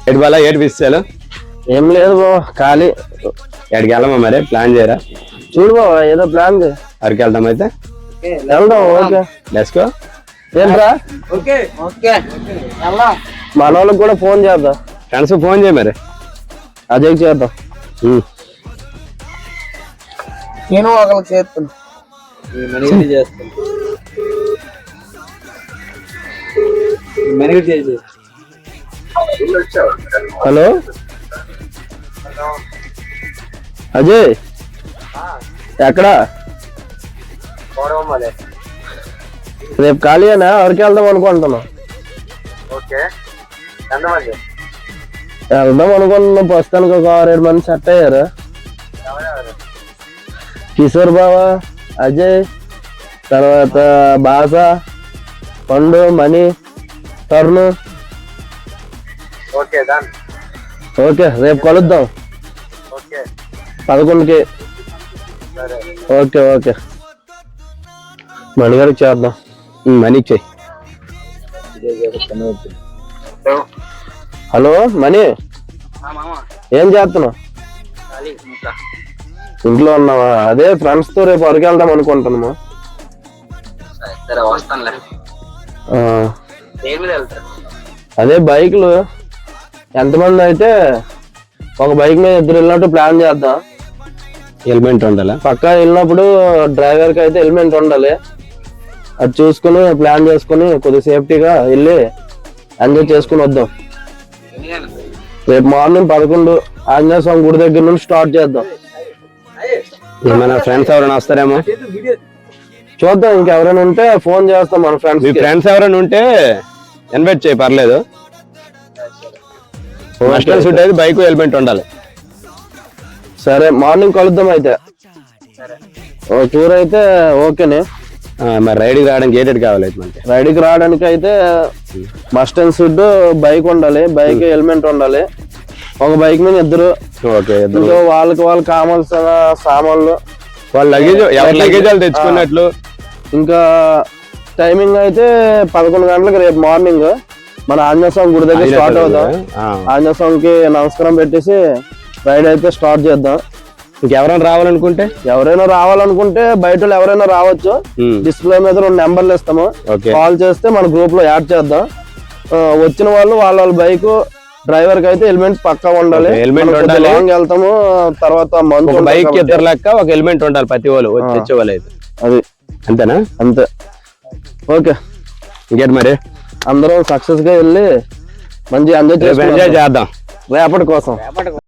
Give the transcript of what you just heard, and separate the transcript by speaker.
Speaker 1: ఏడు బాలా ఏడు విషయాలు
Speaker 2: ఏం లేదు బావ, ఖాళీ.
Speaker 1: ఎక్కడికి వెళ్ళమా మరి? ప్లాన్ చేయరా?
Speaker 2: చూడు బావ, ఏదో ప్లాన్ చేయి.
Speaker 1: అరకు వెళ్దాం అయితే.
Speaker 2: వెళ్దాం. Okay,
Speaker 1: let's go.
Speaker 2: ఏంట్రా? మన వాళ్ళకి కూడా ఫోన్ చేద్దాం.
Speaker 1: ఫ్రెండ్స్ ఫోన్ చేయి మరి.
Speaker 2: అజయ్ చేద్దాం.
Speaker 3: నేను ఒకరికి చేస్తాను.
Speaker 2: హలో అజయ్, ఎక్కడా? రేపు ఖాళీనా? ఎవరికి వెళ్దాం అనుకుంటున్నాం. వెళ్దాం అనుకుంటున్నాం. ప్రస్తుతానికి ఒక 6-7 మంది సెట్ అయ్యారు. కిషోర్ బావా, అజయ్, తర్వాత బాస, పండు, మణి, తరుణ్. ఓకే, రేపు కలుద్దాం 11కి. ఓకే ఓకే, మణిగారికి చేద్దాం.
Speaker 1: మనీకి చెయ్యి.
Speaker 2: హలో మణి, ఏం చేస్తున్నావు? ఇంట్లో ఉన్నావా? అదే ఫ్రెండ్స్ తో రేపు అరకు వెళ్దాం అనుకుంటున్నాము. అదే బైక్లు ఎంతమంది అయితే ఒక బైక్ మీద 2 వెళ్ళినట్టు ప్లాన్ చేద్దాం.
Speaker 1: హెల్మెట్ ఉండాలా?
Speaker 2: పక్కా వెళ్ళినప్పుడు డ్రైవర్ కి అయితే హెల్మెట్ ఉండాలి. అది చూసుకుని ప్లాన్ చేసుకుని కొద్దిగా సేఫ్టీగా వెళ్ళి ఎంజాయ్ చేసుకుని వద్దాం. రేపు మార్నింగ్ 11 ఆంజనేయ స్వామి గుడి దగ్గర నుంచి స్టార్ట్ చేద్దాం.
Speaker 1: మన ఫ్రెండ్స్ ఎవరైనా వస్తారేమో
Speaker 2: చూద్దాం. ఇంకెవరైనా ఉంటే ఫోన్ చేస్తాం మన ఫ్రెండ్స్.
Speaker 1: మీ ఫ్రెండ్స్ ఎవరైనా ఉంటే ఇన్వైట్ చేయి, పర్లేదు. మస్టల్ అయితే బైక్ హెల్మెట్ ఉండాలి.
Speaker 2: సరే, మార్నింగ్ కలుద్దాం అయితే. టూర్ అయితే ఓకేనే.
Speaker 1: మరి రైడ్కి రావడానికి ఏటెడ్ కావాలి అయితే మనకి?
Speaker 2: రైడ్కి రావడానికి అయితే మస్ట్ అండ్ షుడ్ బైక్ ఉండాలి, బైక్ హెల్మెట్ ఉండాలి. ఒక బైక్ మీద 2.
Speaker 1: ఓకే,
Speaker 2: వాళ్ళకి కావాల్సిన సామాన్లు,
Speaker 1: వాళ్ళ లగేజ్, ఎవరి లగేజ్ వాళ్ళు తెచ్చుకున్నట్లు.
Speaker 2: ఇంకా టైమింగ్ అయితే 11 గంటలకు రేపు మార్నింగ్ మన ఆంజనేయ స్వామి గుడి దగ్గర స్టార్ట్ అవుతాం. ఆంజనేయ స్వామికి నమస్కారం పెట్టేసి రైడ్ అయితే స్టార్ట్ చేద్దాం.
Speaker 1: ఇంకెవరైనా
Speaker 2: రావాలనుకుంటే బయట ఎవరైనా రావచ్చు. డిస్ప్లే మీద 2 నెంబర్లు ఇస్తాము. కాల్ చేస్తే మన గ్రూప్ లో యాడ్ చేద్దాం. వచ్చిన వాళ్ళు వాళ్ళ బైక్ డ్రైవర్ కి అయితే హెల్మెట్ పక్కా ఉండాలి.
Speaker 1: హెల్మెట్ ఉండాలి.
Speaker 2: వెళ్తాము తర్వాత
Speaker 1: బైక్ 2 లెక్క ఒక హెల్మెట్ ఉండాలి ప్రతి వాళ్ళు తెచ్చే వాళ్ళు అయితే.
Speaker 2: అది
Speaker 1: అంతేనా?
Speaker 2: అంతే. ఓకే,
Speaker 1: ఇంకేంటి మరి?
Speaker 2: అందరం సక్సెస్ గా వెళ్ళి మంచి ఎంజాయ్
Speaker 1: చేద్దాం
Speaker 2: రేపటి కోసం.